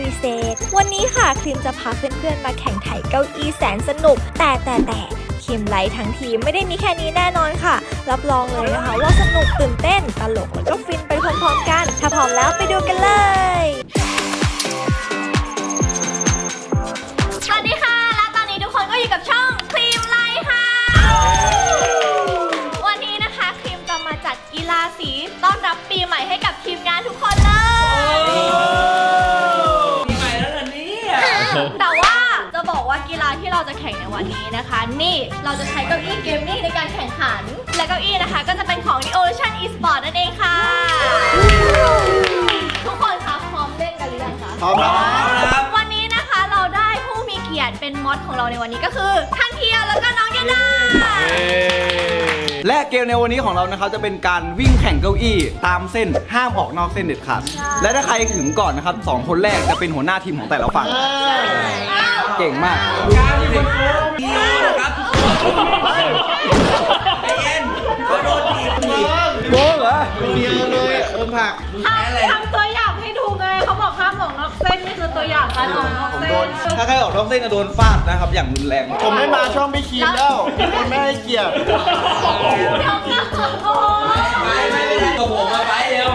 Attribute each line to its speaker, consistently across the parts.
Speaker 1: ริเศษวันนี้ค่ะครีมจะพาเพื่อนๆมาแข่งไถเก้าอี้แสนสนุกแต่ครีมไลท์ทั้งทีมไม่ได้มีแค่นี้แน่นอนค่ะรับรองเลยนะคะว่าสนุกตื่นเต้นตลกแล้วก็ฟินไปพร้อมๆกันถ้าพร้อมแล้วไปดูกันเลยสวัสดีค่ะและตอนนี้ทุกคนก็อยู่กับช่องครีมไลท์ค่ะวันนี้นะคะครีมจะมาจัดกีฬาสีต้อนรับปีใหม่ให้กับทีมงานทุกคนเลย
Speaker 2: ปีใหม่แล้วเหรอเนี่ย
Speaker 1: แต่ว่าจะบอกว่ากีฬาที่เราจะแข่งในวันนี้นะคะนี่เราจะใช้เก้าอี้เกมมิ่งในการแข่งขันและเก้าอี้นะคะก็จะเป็นของ Evolution Esport นั่นเองค่ะทุกคนคะพร้อมเล่นกันหรือยังคะ
Speaker 2: พร้อมแล้ว
Speaker 1: วันนี้นะคะเราได้ผู้มีเกียรติเป็นมอดของเราในวันนี้ก็คือท่านเพียวแล้วก็น้องยาดา
Speaker 3: และเกมในวันนี้ของเรานะครับจะเป็นการวิ่งแข่งเก้าอี้ตามเส้นห้ามออกนอกเส้นเด็ดขาดและถ้าใครถึงก่อนนะครับ2คนแรกจะเป็นหัวหน้าทีมของแต่ละฝั่งเก่งมาก
Speaker 2: การที่เป็นโค้ชดีนะครับใจเย็นเขาโดนถีบ
Speaker 3: โก้เหรอ
Speaker 4: เยอะเลยผัก
Speaker 1: ทำตัวอย่างให้ดูไงเขาบอกห้ามออกนอกเส้นนี่คือตัวอย่างการออกนอกเส้น
Speaker 3: ถ้าใครออกนอกเส้นจะโดนฟาดนะครับอย่างรุนแรง
Speaker 4: ผมไม่มาช่องพี่คีมแล้วคนไม่ให้เกียรติ
Speaker 2: ไม่ได้กับผมมาไปเร็ว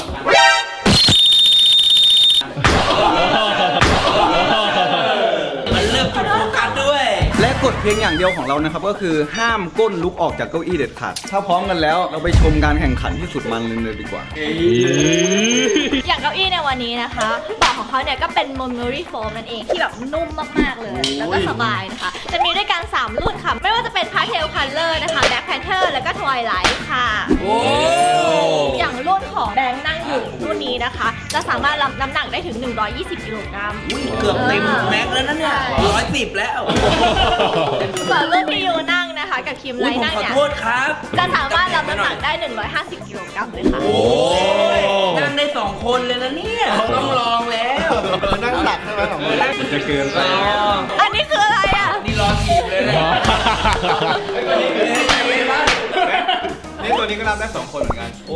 Speaker 2: มันเริ่มจุดโฟกัสด้วย
Speaker 3: และกฎเพียงอย่างเดียวของเรานะครับก็คือห้ามก้นลุกออกจากเก้าอี้เด็ดขาดถ้าพร้อมกันแล้วเราไปชมการแข่งขันที่สุดมันเลยดีกว่า
Speaker 1: อย่างเก้าอี้ในวันนี้นะคะเบาะของเขาเนี่ยก็เป็น memory foam นั่นเองที่แบบนุ่มมากๆเลยแล้วก็สบายนะคะจะมีด้วยกัน3รุ่นค่ะไม่ว่าจะเป็น pastel color นะคะ black panther แล้วก็ twilight ค่ะอย่างรุ่นของแบงค์นั่งอยู่รุ่นนี้นะคะจะสามารถรับน้ำหนักได้ถึง120กิโลกรัม
Speaker 2: เกือบเต็มแม็กแล้วนะเนี่ย110แล้ว
Speaker 1: ส่วนรุ่นที่ยูนั่งนะคะกับคิมไลท์นั่งเนี่ย
Speaker 2: ขอโทษครับ
Speaker 1: จะสามารถรับน้ำหนักได้150กิโลกรัมเลยค่ะ
Speaker 2: โอ้ยนั่งได้2คนเลยนะเนี่ยต้องลองแล้ว
Speaker 4: นั่งหลักใช่ไหมของ
Speaker 3: มันจะเกินไป
Speaker 1: อันนี้คืออะไรอ่ะ
Speaker 2: นี่รอถีบเลยนะ
Speaker 3: นี่ตัวนี้ก็รับได้2คนเหมือนกัน
Speaker 2: โอ้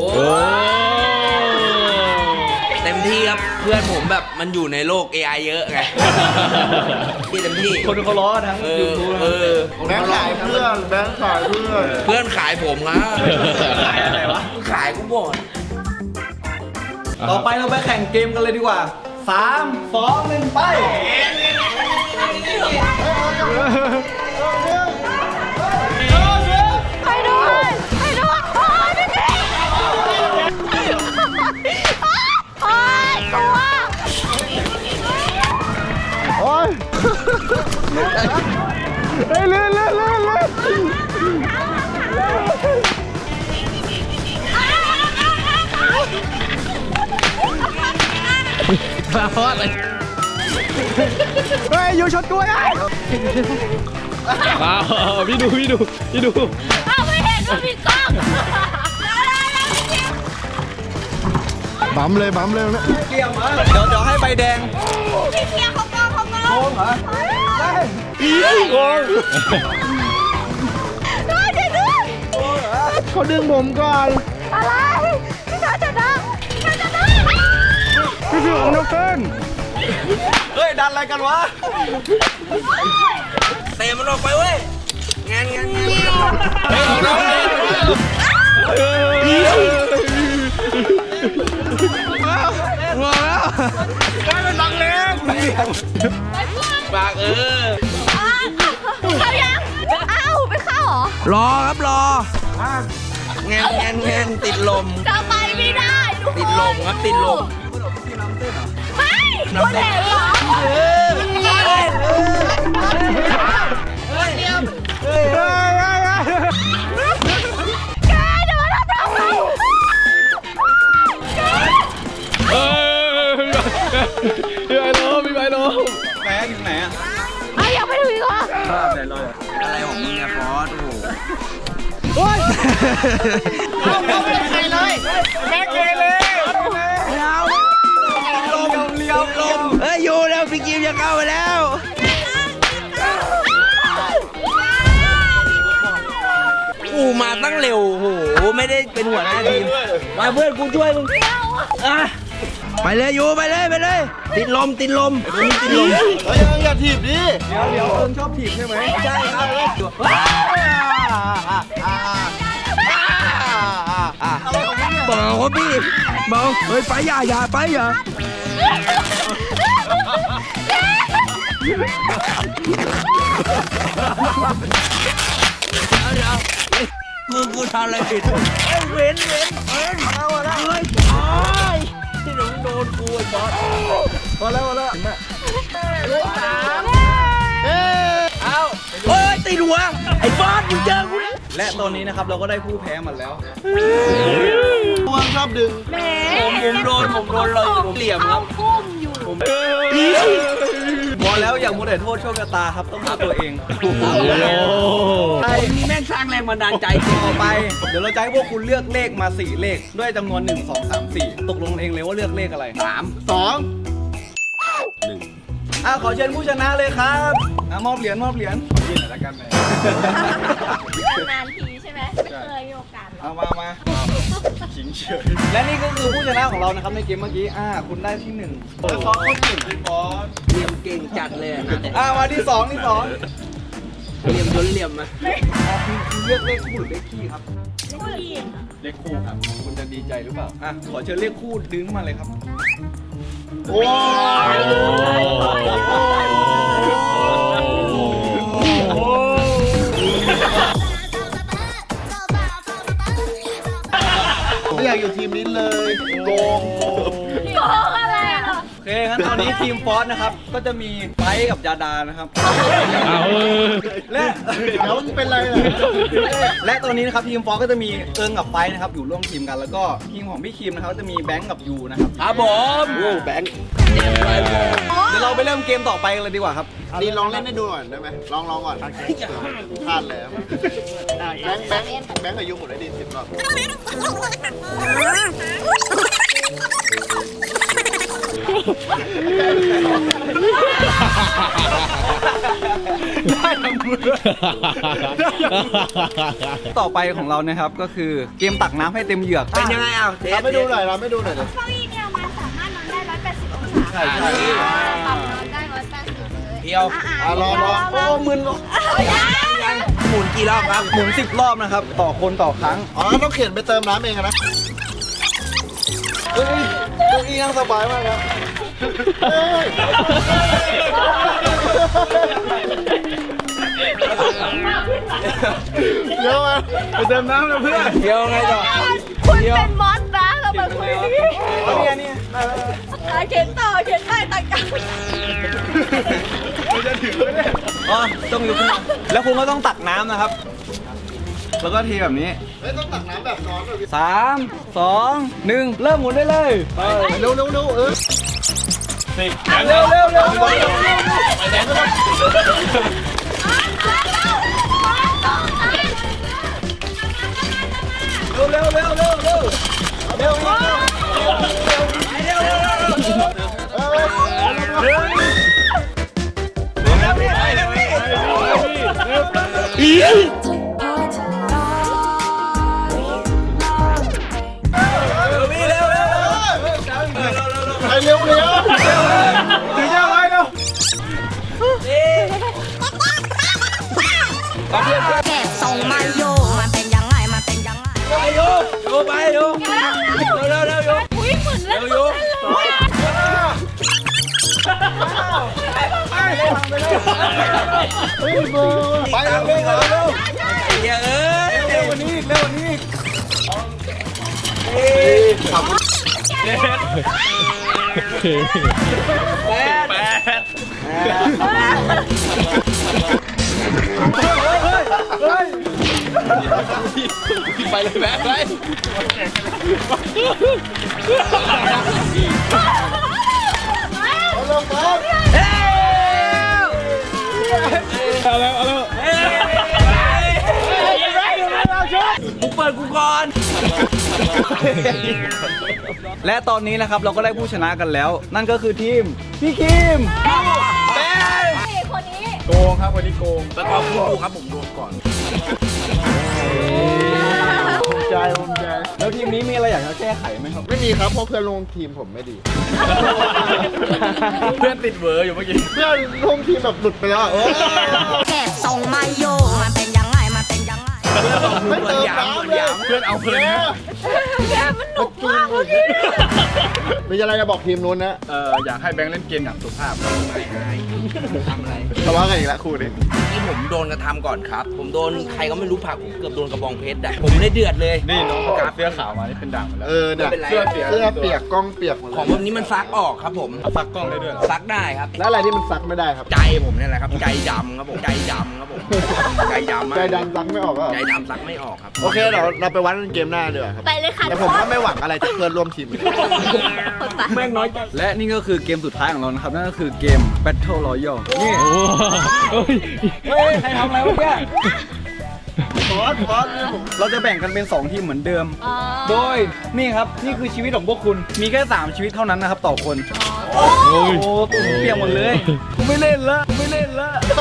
Speaker 2: เต็มที่ครับเพื่อนผมแบบมันอยู่ในโลก AI เยอะไงที่เต็มที่
Speaker 3: คนเขาล้อทั้งยูทูบ
Speaker 4: แบงค์ขายเพื่อนแบงค์ขายเพื่อน
Speaker 2: ขายผมครับ
Speaker 3: ขายอะไรวะ
Speaker 2: ขายกูบ่น
Speaker 3: ต่อไปเราไปแข่งเกมกันเลยดีกว่า3 2 1ไป
Speaker 1: ไปด้วย
Speaker 4: โอ้ยเฮ้ยเลื่อน
Speaker 3: มาพอดเลย
Speaker 4: เฮ้ยอยู่ชนกูไอ้
Speaker 3: พี่ดู
Speaker 1: ไม่เห็นว่ามีกล้อง
Speaker 4: บั๊มเลยนะ
Speaker 3: เกี่ยวมาเดี๋ยวให้ใบแดง
Speaker 1: พี่เพียเขากล้อง
Speaker 3: โกงเหรอใช่โกง
Speaker 4: เขาดึงผมก่อน
Speaker 1: อะไรพี่ชายจะดัง
Speaker 4: พี่คือของนกเต้น
Speaker 3: เฮ้ยดันอะไรกันวะ
Speaker 2: เตะมันออกไปเว้ยงาน
Speaker 4: ว้าวได้เป็นบังเล็ก
Speaker 2: ปาก
Speaker 1: เข้ายังไปเข้าเหรอ
Speaker 2: รอครับรองานติดลม
Speaker 1: จะไปไม่ได้ทุกคน
Speaker 2: ติดลมครับติดลม
Speaker 1: ไม่คนเห็นเหรอแกเดี๋ยวมาทำเรา
Speaker 3: พี่ใบโลไหนถึงไหนอ่ะ
Speaker 1: อยากไปถึงอีกเหรอ
Speaker 3: ไหนเลย
Speaker 2: อะไรของมึงอะฟอส
Speaker 4: โอ้ย
Speaker 1: เอาไม่ใครเลย
Speaker 4: แม็กเกเลย
Speaker 2: ลมเฮ้ยอยู่แล้วพี่กิมจะเข้าไปแล้วมาตั้งเร็วโหไม่ได้เป็นหัวหน้าทีมมาเพื่อนกูช่วยมึงไปเลยยูไปเลยไปเลย ติดลมติดลมติดลม
Speaker 4: เฮ้ยอย่าถีบดิ
Speaker 3: เดี๋ยวเอิงชอบถีบใช่ไหมใช่ครับ
Speaker 2: เบาครับพี่เบาเฮ้ยไปอย่าไปอย่ากูทำอะไรผิดเว้นเอาอะไรเฮ้ยที่หนูโดนกูไอ้บอส
Speaker 3: พอแล้วเห็นไหม
Speaker 2: เฮ้ยตีหัวไอ้บอสมึงเจอกู
Speaker 3: และตอนนี้นะครับเราก็ได้ผู้แพ้มันแล้ว
Speaker 4: พวงชอบดึง
Speaker 2: ผมโดนเลยผมเหลี่ยมครับ
Speaker 3: พอแล้วอย่ามัวแต่โทษโชคชะตาครับต้องโทษตัวเอง
Speaker 2: มีแม่งสร้างแรงบันดาลใจ
Speaker 3: ต่อไปเดี๋ยวเราจะให้พวกคุณเลือกเลขมา4เลขด้วยจำนวน1 2 3 4ตกลงเองเลยว่าเลือกเลขอะไร
Speaker 4: 2
Speaker 3: ขอเชิญผู้ชนะเลยครับมอบเหรียญยืนหน่อยละกันเลย
Speaker 1: นานทีใช่ไหมไม่เคยมีโอกาสหรอก
Speaker 3: เอามาขิงเฉยและนี่ก็คือผู้ชนะของเรานะครับในเกมเมื่อกี้คุณได้ที่1แล้วขอคนหนึ่งพี่บอส
Speaker 2: เหลี่ยมเก่งจัดเลยนะ
Speaker 3: มาที่2ที่
Speaker 2: เหลี่ยมจนเหลี่ยมอะ
Speaker 3: คุณเลือกเลขคู่หรือเลขคี่ครับ
Speaker 1: ผู้หญิง
Speaker 3: เลขคู่ครับคุณจะดีใจหรือเปล่าขอเชิญเลขคู่ดึงเข้ามาเลยครับ
Speaker 4: โอ้ยไม่อยากอยู่ทีมนี้เลยโกง
Speaker 1: โกงอะไรอ่ะ
Speaker 3: โอเคงั้นตอนนี้ทีมฟอสนะครับก็จะมีไบค์กับยาดานะครับและ
Speaker 4: เดี๋ยวมันเป็นไรล่ะ
Speaker 3: และตอนนี้นะครับทีมฟอสก็จะมีเอิงกับไบค์นะครับอยู่ร่วมทีมกันแล้วก็ทีมของพี่คิมนะครับก็จะมีแบงค์กับยูนะครับ
Speaker 2: ครับผม
Speaker 4: โอ้แบงค์
Speaker 3: เดี๋ยวเราไปเริ่มเกมต่อไปกันเลยดีกว่าครับ
Speaker 4: นี่ลองเล่นให้ดูหน่อยได้ไหมลองก่อนพลาดแล้วแบงค์อายุหมดได้ดี10 รอบ
Speaker 3: ต่อไปของเรานะครับก็คือเกมตักน้ำให้เต็มเหยือก
Speaker 2: เป็นยังไงอ่ะเทส
Speaker 4: เราไม่ดูหน่อยเราไม่ดูหน่อยเลย
Speaker 1: เก้าอี้เนี่ยมันสามารถนอนได้180 องศา
Speaker 3: ใช่
Speaker 1: ปรับนอนได้180เลย
Speaker 2: เดียว
Speaker 4: ลอง
Speaker 3: โอ้มึน
Speaker 2: หมุนกี่รอบครับ
Speaker 3: หมุน10 รอบนะครับต่อคนต่อครั้ง
Speaker 4: อ๋อต้องเข็นไปเติมน้ำเองนะ
Speaker 3: เฮ้ยเก้าอี้นั่งสบายมากครับ
Speaker 4: เดี๋ยวมาไปเติมน้ำนะเพื่อน
Speaker 3: เดี๋ยวไงต่อ
Speaker 1: คุณเป็นมอสนะเรามาคุยกัน
Speaker 3: นี่
Speaker 1: เขียนต่อเขียนใต้ตังกัน
Speaker 3: ต้องยกขึ้นมาแล้วคุณก็ต้องตักน้ำนะครับ แล้วก็เทแบบนี้
Speaker 4: เฮ้ยต้องตักน้ำแบบร้อนเลย
Speaker 3: 3 2 1 เริ่มหมุนได้เลยไป
Speaker 4: เร็วเร็วเออ
Speaker 3: เร็วเร็วเร็วเร็วเร็วเร็วเร็วเร็วเร็วเร็ว
Speaker 4: ไปเร็วเร็ว
Speaker 3: ดีเจ้าไว้เร็ว
Speaker 5: แค่ส่งมาโยมันเป็นยังไงมันเป็นยังไง
Speaker 2: โยไปโยเร็วโย
Speaker 1: อุ้ยเหมือนเล่น
Speaker 2: โย
Speaker 4: เฮ้ยเบอร์
Speaker 3: ไปเร็วเร็วเร็ว
Speaker 2: เยอะเอ้ย
Speaker 3: เร็วกว่านี้อีกเร็วกว่านี้อีก
Speaker 2: ไปเลยแบ๊ไป
Speaker 4: เอาลงมา
Speaker 2: กูเปิดกูก่อน
Speaker 3: และตอนนี้นะครับเราก็ได้ผู้ชนะกันแล้ว นั่นก็คือทีมพี่คิม
Speaker 1: คนนี้
Speaker 3: โกงครับวันนี้โกง
Speaker 2: ประกอบคู่ครับผมโดนก่อน
Speaker 4: ใจภูมิใจ
Speaker 3: แล้วทีมนี้มีอะไรอยากจะแก้ไขไหมครับ
Speaker 4: ไม่มีครับเพราะเพื่อนร่วมทีมผมไม่ดี
Speaker 3: เพื่อนติดเวอร์อยู่เมื่อกี้
Speaker 4: เพื่อนร่วมทีมแบบหลุดไปแล้วอะเออ
Speaker 5: เก็บทรงไม่อยู่มันเป็นยังไงมันเป็นยังไง
Speaker 4: ไม่เติมน้ำเลย
Speaker 3: เพื่อนเอาเพลิน
Speaker 1: แกมันหนุกมากเมื่อกี้
Speaker 4: มีอะไรจะบอกทีมนู้นนะ
Speaker 3: อยากให้แบงค์เล่นเกมอย่างสุภาพ
Speaker 2: ไม่อายทำอะไร
Speaker 4: ทะเลาะกันอีกแล้วคู่นี้
Speaker 2: ที่ผมโดนกระทำก่อนครับ ผมโดนใครก็ไม่รู้ผลักผมเกือบโดนกระบองเพชรอ่ะผมได้เดือดเลย
Speaker 3: นี่น้องประกาศเสื้อขาวมานี่เป็นด่างหมดแล้ว
Speaker 4: เออเนี่ย
Speaker 2: ไม่เป็นไร
Speaker 4: เสื้อเปียกกล้องเปียกหมด
Speaker 2: ของ
Speaker 4: เลย
Speaker 2: แบบนี้มันซักออกครับผม
Speaker 3: ซักกล้องได้ด้วยเหรอ
Speaker 2: ซักได้ครับ
Speaker 4: แล้วอะไรที่มันซักไม่ได้ครับ
Speaker 2: ใจผมเนี่ยแหละครับ ใจดำครับผม ใจดำครับผม ใจดำมาก
Speaker 4: ใจดำซักไม่ออกอ่ะ
Speaker 2: ใจดำซักไม่ออกครับ
Speaker 4: โอเคเราไปวัดกันเกมหน้าดีกว่าครับ
Speaker 1: ไปเลยค่ะ
Speaker 4: แต่ผมก็ไม่หวังอะไรจากเพื่อนร่วมทีมเลย
Speaker 1: คนปะ
Speaker 3: แม่งน้อยจังและนี่ก็คือเกมสุดท้ายของเรานะครับ นั่นก็คือเกม Battle Royale นี่เฮ้ยใครทำอะไรวะแกเราจะแบ่งกันเป็น 2 ทีมเหมือนเดิม
Speaker 1: อ๋อ
Speaker 3: โดยนี่ครับ นี่คือชีวิตของพวกคุณ มีแค่ 3 ชีวิตเท่านั้นนะครับต่อคน โอ้ตัวผมเปียกหมดเลยกูไม่เล่นละกูไม่เล่นละ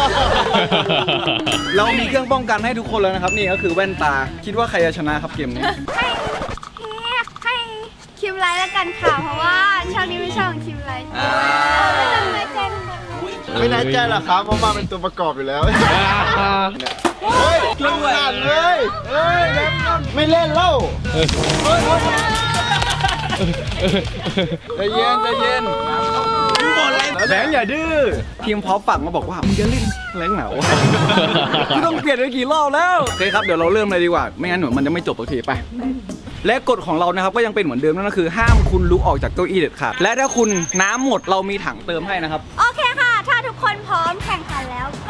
Speaker 3: เรามีเครื่องป้องกันให้ทุกคนแล้วนะครับ นี่ก็คือแว่นตา คิดว่าใครจะชนะครับเกมนี้
Speaker 6: ให้คิมไลท์แล้วกันค่ะ เพราะว่าช่องนี้เป็นช่องของคิมไลท์ไม่ต้องไว้ใจทุกคน
Speaker 4: ไม่แน่ใจหรอกครับเพราะมาเป็นตัวประกอบอยู่แล้ว เฮ้ยลงหันเลยเฮ้ยไม่เล่นเล่า
Speaker 3: ใจเย็นใจเย็นแบงค์อย่าดื้อทีมพอปฝั่งมาบอกว่ามึงจะเล่นแรงเหนาไม่ต้องเปลี่ยนไปกี่รอบแล้วโอเคครับเดี๋ยวเราเริ่มเลยดีกว่าไม่งั้นหนูมันจะไม่จบสักทีไปและกฎของเรานะครับก็ยังเป็นเหมือนเดิมนั่นก็คือห้ามคุณลุกออกจากเก้าอี้เด็ดขาดและถ้าคุณน้ำหมดเรามีถังเติมให้นะครับ
Speaker 6: โอเคค่ะ ถ้าทุกคนพร้อมแข่งขันแล้วก็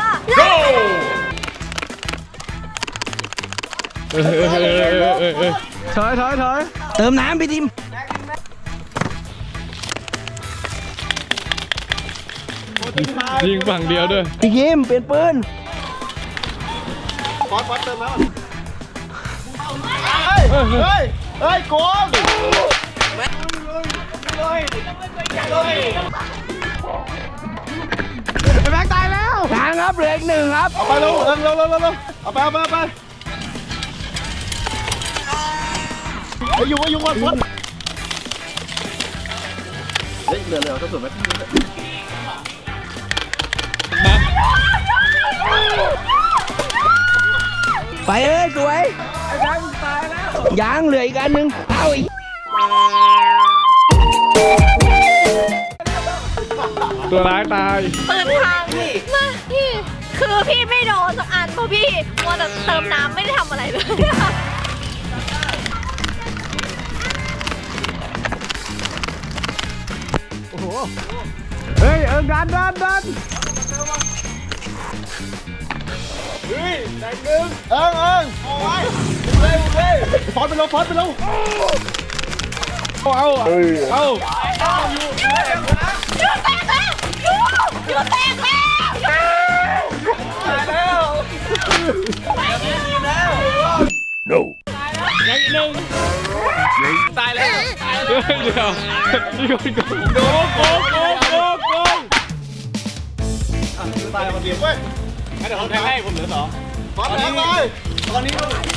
Speaker 3: ถอย
Speaker 2: เติมน้ำพี่ทิม
Speaker 7: ยิงฝั่งเดียวด้วย
Speaker 2: พี่ทิมเปลี่ยนปืน
Speaker 4: ฟอสเติมแล้วเฮ้ยโกงแบงค์ตายแล้ว
Speaker 2: ทางครับเหลืออีก 1ครับ
Speaker 4: เอาไปเร็วเอาไปไอ้ยุงวันฟอสเฮ้ยเหลือก็สุดไหม
Speaker 2: ไปเลยสวยยังเหลืออีกอันหนึงเอาอีก
Speaker 7: ตัวร้ายตาย
Speaker 1: ปืนพังมาพี่คือพี่ไม่โดนสักอันเพราะพี่มัวแต่เติมน้ำไม่ได้ทำอะไรเลย
Speaker 7: เฮ้ยดัน
Speaker 4: เอิงฟอสไปเร็ว
Speaker 7: เอา
Speaker 1: อยู่แตกแล้วอยู่แตกแล้ว
Speaker 7: เดี๋ยวมีคนโกงโกง
Speaker 4: ตายมาเดียวเว้ย
Speaker 7: เดี๋ยวผมแทงให้ผมเหลือ2
Speaker 4: ฟอสแทงเลยตอนนี้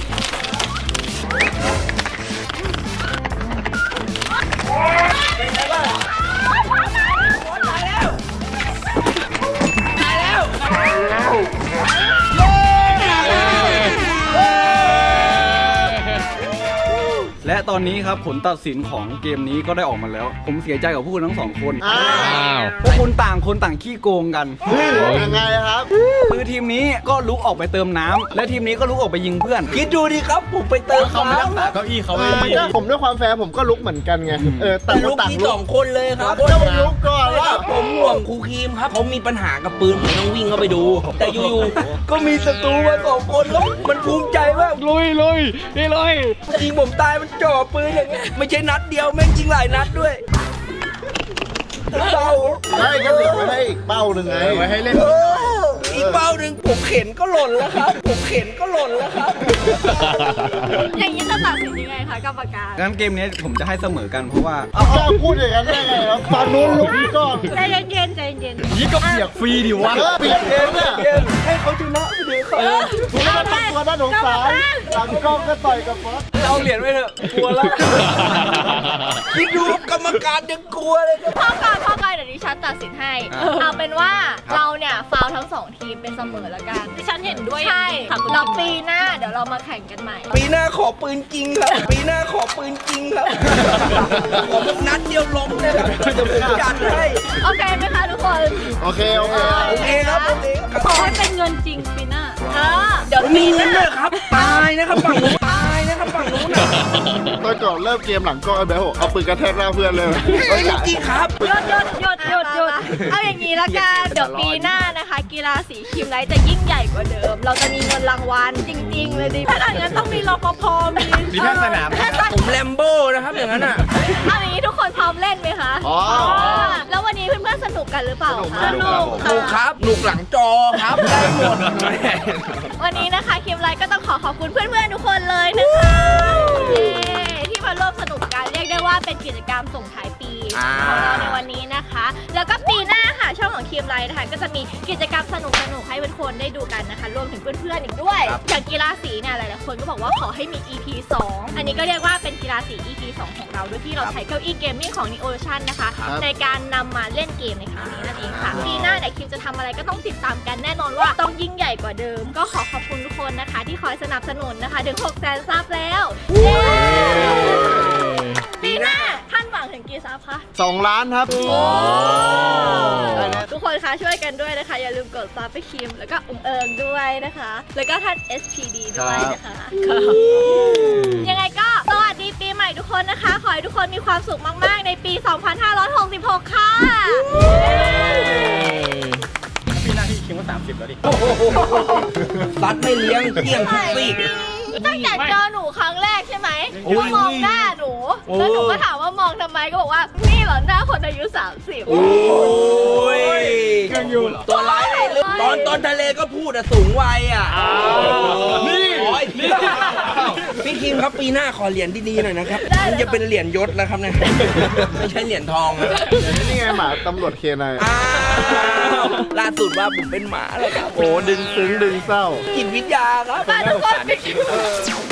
Speaker 3: และตอนนี้ครับผลตัดสินของเกมนี้ก็ได้ออกมาแล้ว ผมเสียใจกับพวกคุณทั้ง 2 คน
Speaker 4: อ้าว
Speaker 3: พวกคุณต่างคนต่างขี้โกงกัน
Speaker 4: ยังไงครับ
Speaker 3: คือทีมนี้ก็ลุกออกไปเติมน้ำและทีมนี้ก็ลุกออกไปยิงเพื่อน
Speaker 2: คิดดูดิครับผมไปเติมน้ำ
Speaker 3: เก้าอี้เขา
Speaker 4: ผมด้วยความแฟร์ผมก็ลุกเหมือนกันไงต่าง
Speaker 2: ลู
Speaker 4: คน
Speaker 2: ก
Speaker 4: ต่าง
Speaker 2: ที่
Speaker 4: ลุก
Speaker 2: 2 คนเลยครับ
Speaker 4: เจ้าลุกก่อน
Speaker 2: ใช่
Speaker 4: แล้
Speaker 2: คว รับผมห่วงครูครีมครับเขามีปัญหากับปืนผมต้องวิ่งเข้าไปดู แต่อยู่ๆก็มีศัตรูมา2 คนแล้วมันภูมิใจว่า
Speaker 7: ลุยนี่เลย
Speaker 2: ยิงผมตายมันจ่อปืนอย่างเงี้ยไม่ใช่นัดเดียวแม่งยิงหลายนัดด้วยเศร้า
Speaker 4: ใช่ก็ติดไว้ให้อีกเป้าหนึ่งไงไว้ให้เล่น
Speaker 2: อีกเป้าหนึ่งผมเข็นก็หล่นแล้วครับ ผมเข็นก็หล่นแล้วครับ
Speaker 1: อย่างนี้จะตัดสินยังไงคะกรรมการ
Speaker 3: งั้นเกมนี้ผมจะให้เสมอกันเพราะว่า
Speaker 4: เอากล้าพูดอย่างนั้นได้ไงครับฝั่งนู้นลุกนี่ก่อน
Speaker 1: ใจเย็นๆใจเย็น
Speaker 3: นี่ก็เปียกฟรีดิวะ
Speaker 4: เปลี่ยนเองเนี่ย
Speaker 3: ให้เขาชนะไปเลยครับ
Speaker 4: คุณไม่ต้องตัวด้านสงสารหลังกล้องก็ต่อยกับฟอส
Speaker 3: เอาเหรียญไว้เถอะกลัวละ
Speaker 2: คิดดูกรรมการยังกลัวเลยครับ
Speaker 1: พ่อก่อนเดี๋ยวดิฉันตัดสินให้ เอาเป็นว่าเราเนี่ยฟาวทั้ง2ทีมเป็นเสมอแล้วกันดิฉันเห็นด้วยใช่เราปีหน้าเดี๋ยวเรามาแข่งกันใหม่
Speaker 2: ปีหน้าขอปืนจริงครับ ปีหน้าขอปืนจริงครับ ขอนัดเดียวล้มเลยครับจะผมจัดให้
Speaker 1: โอเคไหมคะทุกคน
Speaker 4: โอเคโอเค
Speaker 2: โอเคครับโอเคครับ
Speaker 1: ขอให้เป็นเงินจริงปีหน้าเดี๋ยว
Speaker 2: มีเงินด้วยครับ ตายนะครับฝั่งนู้นตายนะครับฝั่งนู้นนะ
Speaker 4: ตอนก่อนเริ่มเกมหลังกล้องไอ้แบ๊วเอาปืนกระแทกหน้าเพื่อนเลย
Speaker 2: เฮ้ยจริงครับ
Speaker 1: หยุดเอาอย่างนี้ละกันเดี๋ยวปีหน้านะคะ กีฬาสีคิมไลท์จะยิ่งใหญ่กว่าเดิม เราจะมีเงินรางวัลจริงๆเลยดิถ้าอย่างนั้นต้องมีรปภมี
Speaker 3: แพทย์สนาม
Speaker 2: ผมแลมโบ้นะครับอย่างนั้นอ่ะ
Speaker 1: เอาอย่างนี้ทุกคนพร้อมเล่นไหมคะ
Speaker 4: อ๋อ
Speaker 1: แล้ววันนี้เพื่อนๆสนุกกันหรือเปล่า
Speaker 4: สนุก
Speaker 1: คะ
Speaker 4: มาก
Speaker 2: หนุกครับหนุกหลังจอครับได้หมด
Speaker 1: วันนี้นะคะคิมไลท์ก็ต้องขอบคุณเพื่อนๆทุกคนเลยนะคะเย้ที่มาร่วมสนุกกันเรียกได้ว่าเป็นกิจกรรมส่งท้ายปีของเราในวันนี้นะคะ แล้วก็ปีหน้าค่ะช่องของคิมไลท์นะคะก็จะมีกิจกรรมสนุกๆให้เพื่อนๆได้ดูกันนะคะรวมถึงเพื่อนๆอีกด้วยอย่างกีฬาสีเนี่ยหลายๆคนก็บอกว่าขอให้มี EP 2 อันนี้ก็เรียกว่าเป็นกีฬาสี EP 2 ของเราโดยที่เราใช้เก้าอี้เกมมิ่งของ Neolution นะคะ ในการนำมาเล่นเกมในครั้งนี้นั่นเองค่ะปีหน้าเนี่ยคิมจะทำอะไรก็ต้องติดตามกันแน่นอนว่าต้องยิ่งใหญ่กว่าเดิม ก็ขอบคุณทุกคนนะคะ ที่คอยสนับสนุนนะคะถึง 600,000 ซับแล้วเย้ปีหน้าท่านหวังถึงกี่ซับคะ
Speaker 4: 2 ล้านครับ
Speaker 1: ทุกคนคะช่วยกันด้วยนะคะ อย่าลืมกดซับไปคิมแล้วก็เอิงด้วยนะคะ แล้วก็ท่าน SPD ด้วยนะคะยังไงก็สวัสดีปีใหม่ทุกคนนะคะ ขอให้ทุกคนมีความสุขมากๆในปี 2566 ค่ะ
Speaker 3: ปีหน้าที่คิงว่า30แล้วดิ
Speaker 2: รัดไม่เลี้ยงเกี่ยงทุกซีก
Speaker 1: ตั้งแต่เจอหนูครั้งแรกใช่ไหม
Speaker 2: โอ้ย
Speaker 1: มองหน้าหนู แล้วหนูก็ถามว่ามองทำไมก็บอกว่านี่เหรอหน้าคนอายุ 30
Speaker 2: โอ้ยยังอยู่ตัวร้ายในเรื่องตอนทะเลก็พูดอะสูงวัยอะนี่พี่คิมครับปีหน้าขอเหรียญดีๆหน่อยนะครับมันจะเป็นเหรียญยศนะครับเนี่ยไม่ใช่เหรียญทองนะ
Speaker 4: นี่ไงหมาตำรวจเคนาย
Speaker 2: อ้าวล่าสุดว่าผมเป็นหมาแล้วครับ
Speaker 4: โอ้ดึงซึ้งดึงเศร้า
Speaker 2: จิตวิทยาครับ
Speaker 1: ทุกคน